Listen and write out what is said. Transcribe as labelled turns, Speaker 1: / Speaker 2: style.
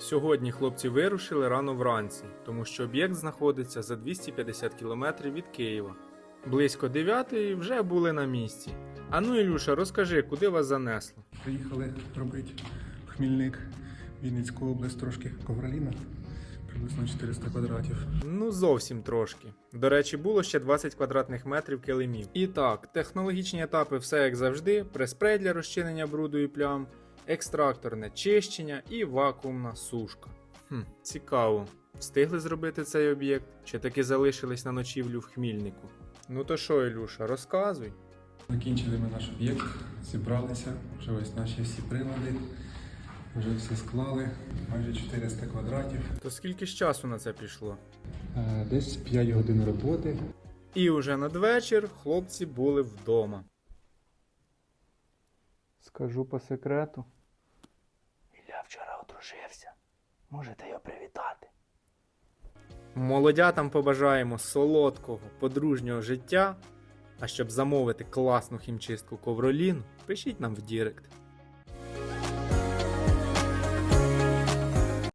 Speaker 1: Сьогодні хлопці вирушили рано вранці, тому що об'єкт знаходиться за 250 км від Києва. Близько 9-ї вже були на місці. Ану, Ілюша, розкажи, куди вас занесло?
Speaker 2: Приїхали робити Хмільник, Вінницьку область, трошки ковроліна, приблизно 400 квадратів.
Speaker 1: Ну, зовсім трошки. До речі, було ще 20 квадратних метрів килимів. І так, технологічні етапи все як завжди, прес-спрей для розчинення бруду і плям, екстракторне чищення і вакуумна сушка. Цікаво. Встигли зробити цей об'єкт, чи таки залишились на ночівлю в Хмільнику? Ну то що, Ілюша, розказуй.
Speaker 2: Закінчили ми наш об'єкт, зібралися, вже ось наші всі прилади, вже все склали, майже 400 квадратів.
Speaker 1: То скільки ж часу на це пішло?
Speaker 2: Десь 5 годин роботи.
Speaker 1: І уже надвечір хлопці були вдома. Скажу по секрету.
Speaker 3: Ілля вчора одружився. Можете його привітати.
Speaker 1: Молодятам побажаємо солодкого, подружнього життя. А щоб замовити класну хімчистку ковроліну, пишіть нам в Дірект.